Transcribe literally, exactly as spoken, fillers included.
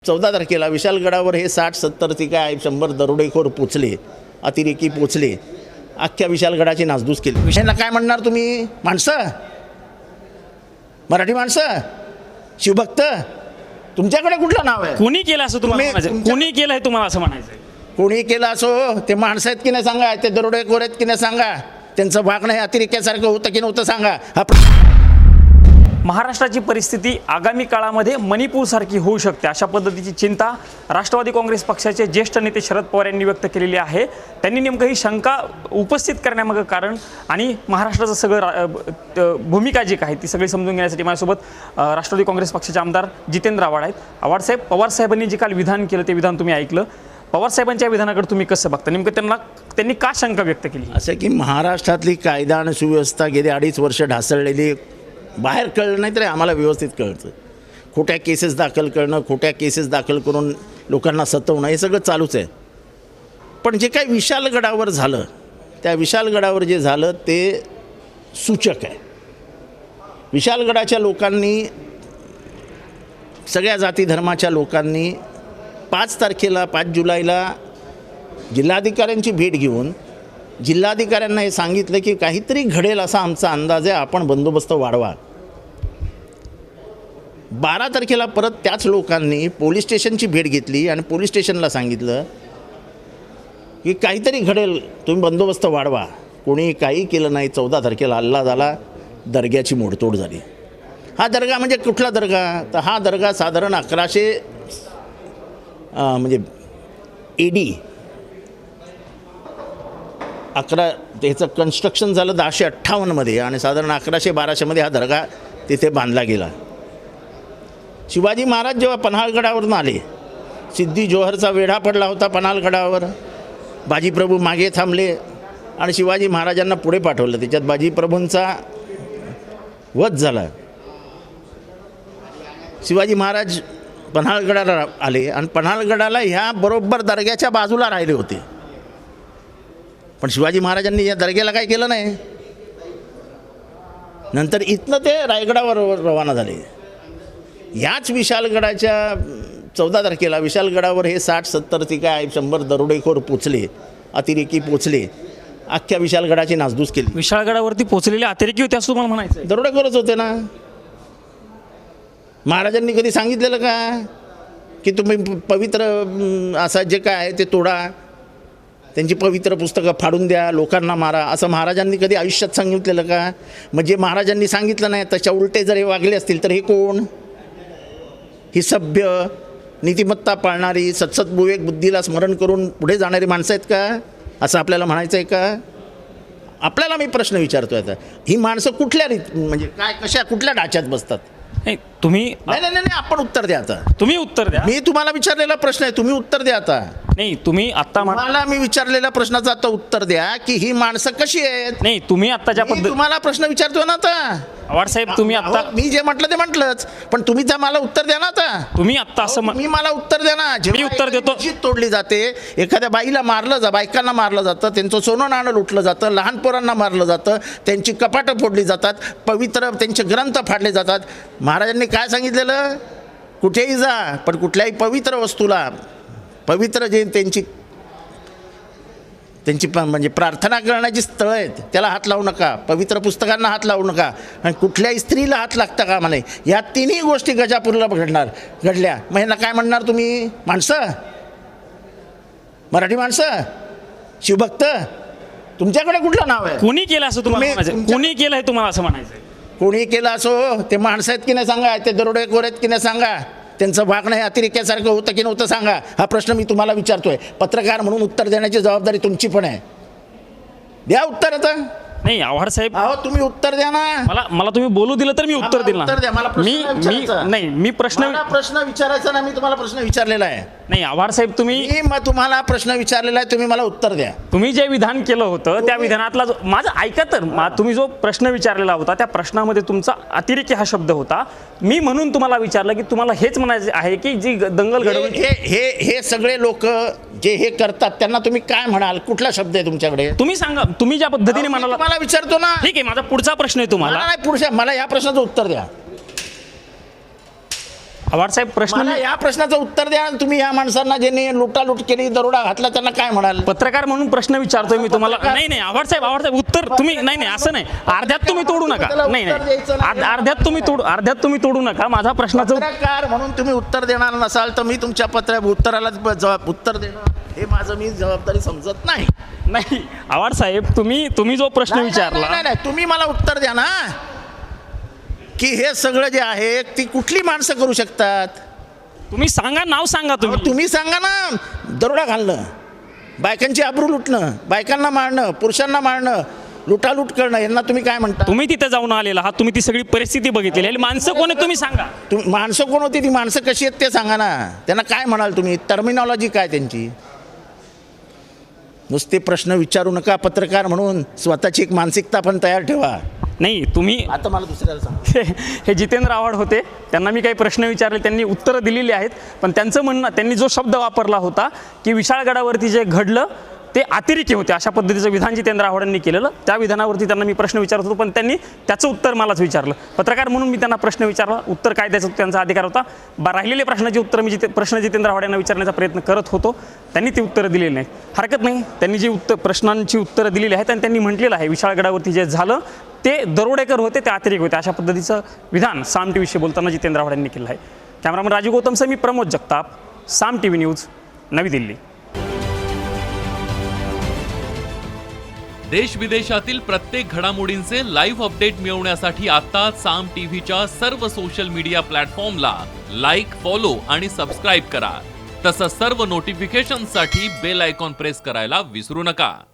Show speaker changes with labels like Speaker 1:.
Speaker 1: चौदा तारखेला विशालगडावर हे साठ सत्तर ते काय शंभर दरोडेखोर पोचले, अतिरेकी पोचले, अख्ख्या विशालगडाची नासधूस केली. विषयांना काय म्हणणार तुम्ही? माणसं, मराठी माणसं, शिवभक्त, तुमच्याकडे कुठलं नाव आहे?
Speaker 2: कोणी केलं असं तुम्हाला म्हणायचं? कोणी केलं आहे तुम्हाला असं म्हणायचं?
Speaker 1: कोणी केलं असो, ते माणसं आहेत की नाही सांगा, ते दरोडेखोर आहेत की नाही सांगा, त्यांचं वागणं हे अतिरेक्यासारखं होतं की नव्हतं सांगा. हा
Speaker 2: महाराष्ट्राची परिस्थिती आगामी काळामध्ये मणिपूरसारखी होऊ शकते अशा पद्धतीची चिंता राष्ट्रवादी काँग्रेस पक्षाचे ज्येष्ठ नेते शरद पवार यांनी व्यक्त केलेली आहे. त्यांनी नेमकं ही शंका उपस्थित करण्यामागं कारण आणि महाराष्ट्राचं सगळं भूमिका जी काय ती सगळी समजून घेण्यासाठी माझ्यासोबत राष्ट्रवादी काँग्रेस पक्षाचे आमदार जितेंद्र आव्हाड आहेत. आव्हाड साहेब, पवार साहेबांनी जे काल विधान केलं ते विधान तुम्ही ऐकलं. पवार साहेबांच्या विधानाकडे तुम्ही कसं बघता? नेमकं त्यांना त्यांनी का शंका व्यक्त केली?
Speaker 1: असं की महाराष्ट्रातली कायदा आणि सुव्यवस्था गेली अडीच वर्ष ढासळलेली, बाहेर कळलं नाही तरी आम्हाला व्यवस्थित कळतं. खोट्या केसेस दाखल करणं, खोट्या केसेस दाखल करून लोकांना सतवणं हे सगळं चालूच आहे. पण जे काही विशालगडावर झालं, त्या विशालगडावर जे झालं ते सूचक आहे. विशालगडाच्या लोकांनी, सगळ्या जाती धर्माच्या लोकांनी पाच तारखेला पाच जुलैला जिल्हाधिकाऱ्यांची भेट घेऊन जिल्हाधिकाऱ्यांना हे सांगितलं की काहीतरी घडेल असा आमचा अंदाज आहे, आपण बंदोबस्त वाढवा. बारा तारखेला परत त्याच लोकांनी पोलीस स्टेशनची भेट घेतली आणि पोलीस स्टेशनला सांगितलं की काहीतरी घडेल, तुम्ही बंदोबस्त वाढवा. कोणी काही केलं नाही. चौदा तारखेला हल्ला झाला, दर्ग्याची मोडतोड झाली. हा दर्गा म्हणजे कुठला दर्गा? तर हा दर्गा साधारण अकराशे म्हणजे ए डी अकरा त्याचं कन्स्ट्रक्शन झालं दहाशे अठ्ठावन्नमध्ये आणि साधारण अकराशे बाराशेमध्ये हा दर्गा तिथे बांधला गेला. शिवाजी महाराज जेव्हा पन्हाळगडावरून आले, सिद्धी जोहरचा वेढा पडला होता पन्हाळगडावर, बाजीप्रभू मागे थांबले आणि शिवाजी महाराजांना पुढे पाठवलं. त्याच्यात बाजीप्रभूंचा वध झाला. शिवाजी महाराज पन्हाळगडाला आले आणि पन्हाळगडाला ह्या बरोबर दर्ग्याच्या बाजूला राहिले होते. पण शिवाजी महाराजांनी या दर्ग्याला काय केलं नाही. नंतर इथनं ते रायगडावर रवाना झाले. याच विशालगडाच्या चौदा तारखेला विशालगडावर हे साठ सत्तर ते काय शंभर दरोडेखोर पोचले, अतिरेकी पोचले, अख्ख्या विशालगडाची नासधूस केली.
Speaker 2: विशाळगडावरती पोचलेले अतिरेकी होते असं तुम्हाला म्हणायचं?
Speaker 1: दरोडेखोरच होते ना. महाराजांनी कधी सांगितलेलं का की तुम्ही पवित्र असं जे काय आहे ते तोडा, त्यांची पवित्र पुस्तकं फाडून द्या, लोकांना मारा, असं महाराजांनी कधी आयुष्यात सांगितलेलं का? म्हणजे महाराजांनी सांगितलं नाही त्याच्या उलटे जर हे वागले असतील तर हे कोण? ही सभ्य, नीतिमत्ता पाळणारी, सत्सद्विवेक बुद्धीला स्मरण करून पुढे जाणारी माणसं आहेत का? असं आपल्याला म्हणायचं आहे का? आपल्याला मी प्रश्न विचारतो आता, ही माणसं कुठल्या रीत म्हणजे काय कशा कुठल्या ढाच्यात बसतात?
Speaker 2: नाही तुम्ही
Speaker 1: नाही नाही नाही आपण उत्तर द्या आता.
Speaker 2: तुम्ही उत्तर द्या.
Speaker 1: मी तुम्हाला विचारलेला प्रश्न आहे, तुम्ही उत्तर द्या आता.
Speaker 2: नाही तुम्ही आता
Speaker 1: मला मी विचारलेल्या प्रश्नाचं आता उत्तर द्या की ही माणसं कशी आहेत.
Speaker 2: नाही तुम्ही आत्ताच्या
Speaker 1: मी तुम्हाला प्रश्न विचारतो ना आता.
Speaker 2: आव्हाड साहेब तुम्ही आता
Speaker 1: मी जे म्हटलं ते म्हटलंच, पण तुम्ही त्या मला उत्तर द्या ना आता.
Speaker 2: तुम्ही आता असं
Speaker 1: मी मला उत्तर द्या ना.
Speaker 2: मी उत्तर देतो.
Speaker 1: मस्जिद तोडली जाते, एखाद्या बाईला मारलं जा बायकांना मारलं जातं, त्यांचं सोनं नाणं लुटलं जातं, लहान पोरांना मारलं जातं, त्यांची कपाटं फोडली जातात, पवित्र त्यांचे ग्रंथ फाडले जातात. महाराजांनी काय सांगितलेलं? कुठेही जा पण कुठल्याही पवित्र वस्तूला, पवित्र जे त्यांची त्यांची प म्हणजे प्रार्थना करण्याची स्थळं आहेत त्याला हात लावू नका, पवित्र पुस्तकांना हात लावू नका, आणि कुठल्याही स्त्रीला हात लागता का मला. या तिन्ही गोष्टी गजापूरला घडणार घडल्या. मग ह्यांना काय म्हणणार तुम्ही? माणसं, मराठी माणसं, शिवभक्त, तुमच्याकडे कुठलं नाव आहे?
Speaker 2: कोणी केलं असं तुम्हाला म्हणायचं? कोणी केलं आहे तुम्हाला असं म्हणायचं?
Speaker 1: कोणी केलं असो, ते माणसं आहेत की नाही सांगा, ते दरोडेखोर आहेत की नाही सांगा, त्यांचं वागणं हे अतिरेक्यासारखं होतं की नव्हतं सांगा. हा प्रश्न मी तुम्हाला विचारतोय. पत्रकार म्हणून उत्तर देण्याची जबाबदारी तुमची पण आहे. द्या उत्तर आता.
Speaker 2: नाही आव्हाड साहेब,
Speaker 1: अहो तुम्ही उत्तर द्या ना.
Speaker 2: मला मला तुम्ही बोलू दिलं तर मी उत्तर देईल ना. मी मी नाही मी प्रश्न
Speaker 1: प्रश्न विचारायचा ना. मी तुम्हाला प्रश्न विचारलेला आहे.
Speaker 2: नाही आव्हाड साहेब तुम्ही
Speaker 1: मी मग तुम्हाला प्रश्न विचारलेला आहे, तुम्ही मला उत्तर द्या.
Speaker 2: तुम्ही जे विधान केलं होतं त्या विधानातला जो माझं ऐका तर तुम्ही जो प्रश्न विचारलेला होता त्या प्रश्नामध्ये तुमचा अतिरेकी हा शब्द होता. मी म्हणून तुम्हाला विचारलं की तुम्हाला हेच म्हणायचे आहे की जी दंगल घडवली
Speaker 1: हे हे हे सगळे लोक जे हे करतात त्यांना तुम्ही काय म्हणाल? कुठला शब्द आहे तुमच्याकडे?
Speaker 2: तुम्ही सांगा. तुम्ही ज्या पद्धतीने म्हणाला
Speaker 1: मला विचारतो ना.
Speaker 2: ठीक आहे, माझा पुढचा प्रश्न आहे तुम्हाला.
Speaker 1: नाही पुढच्या मला या प्रश्नाचं उत्तर द्या.
Speaker 2: आव्हाडसाहेब प्रश्न
Speaker 1: मला
Speaker 2: मी
Speaker 1: या प्रश्नाचं उत्तर द्या. तुम्ही या माणसांना ज्यांनी लुटालूट केली, दरोडा घातला, त्यांना काय म्हणाल?
Speaker 2: पत्रकार म्हणून प्रश्न विचारतोय मी तुम्हाला. नाही नाही आव्हाडसाहेब आव्हाडसाहेब उत्तर तुम्ही नाही नाही असं नाही, अर्ध्यात तुम्ही तोडू नका. नाही नाही अर्ध- अर्ध्यात तुम्ही तोडू अर्ध्यात तुम्ही तोडू नका. माझा प्रश्नाचं
Speaker 1: पत्रकार म्हणून तुम्ही उत्तर देणार नसाल तर मी तुमच्या पत्र उत्तराला जबाब उत्तर देणं हे माझं मी जबाबदारी समजत नाही.
Speaker 2: नाही आव्हाडसाहेब तुम्ही तुम्ही जो प्रश्न
Speaker 1: नाही, नाही,
Speaker 2: विचारला
Speaker 1: नाही, नाही, तुम्ही मला उत्तर द्या ना की हे सगळं जे आहे ती कुठली माणसं करू शकतात?
Speaker 2: तुम्ही सांगा, नाव सांगा
Speaker 1: अहो,
Speaker 2: तुम्ही.
Speaker 1: तुम्ही सांगा ना. दरोडा घालणं, बायकांची आबरू लुटणं, बायकांना मारणं, पुरुषांना मारणं, लुटालूट करणं, यांना तुम्ही काय म्हणता?
Speaker 2: तुम्ही तिथे जाऊन आलेला आहात, तुम्ही ती सगळी परिस्थिती बघितलेली आहे. माणसं कोण आहे तुम्ही सांगा.
Speaker 1: तुम्ही माणसं कोण होती? ती माणसं कशी आहेत ते सांगा ना. त्यांना काय म्हणाल तुम्ही? टर्मिनॉलॉजी काय त्यांची? नुसते प्रश्न विचारू नका. पत्रकार म्हणून स्वतःची एक मानसिकता पण तयार ठेवा.
Speaker 2: नाही तुम्ही
Speaker 1: आता मला दुसऱ्याला सांगा.
Speaker 2: हे हे जितेंद्र आव्हाड होते, त्यांना मी काही प्रश्न विचारले, त्यांनी उत्तरं दिलेली आहेत. पण त्यांचं म्हणणं, त्यांनी जो शब्द वापरला होता की विशाळगडावरती जे घडलं ते अतिरेकी होते, अशा पद्धतीचं विधान जितेंद्र आव्हाडांनी केलेलं. त्या विधानावरती त्यांना मी प्रश्न विचारत होतो, पण त्यांनी त्याचं उत्तर मलाच विचारलं. पत्रकार म्हणून मी त्यांना प्रश्न विचारला, उत्तर काय द्यायचं त्यांचा अधिकार होता. बा राहिलेले प्रश्नाची उत्तर मी जिथे प्रश्न जितेंद्र आव्हाड यांना विचारण्याचा प्रयत्न करत होतो, त्यांनी ती उत्तरं दिलेली नाहीत. हरकत नाही, त्यांनी जी उत्तर प्रश्नांची उत्तरं दिलेली आहेत आणि त्यांनी म्हटलेलं आहे विशाळगडावरती जे झालं ते दरोडेकर होते, ते अतिरेक होते, अशा पद्धतीचं विधान साम टी व्हीशी बोलताना जितेंद्र आव्हाड यांनी केलं आहे. कॅमेरामन राजीव गौतमसह मी Pramod Jagtap, Saam T V news, नवी दिल्ली.
Speaker 3: देश विदेशातील प्रत्येक घडामोडींचे लाईव्ह अपडेट मिळवण्यासाठी आता साम टीव्हीच्या सर्व सोशल मीडिया प्लॅटफॉर्मला लाईक, फॉलो आणि सबस्क्राईब करा. तसंच सर्व नोटिफिकेशनसाठी बेल आयकॉन प्रेस करायला विसरू नका.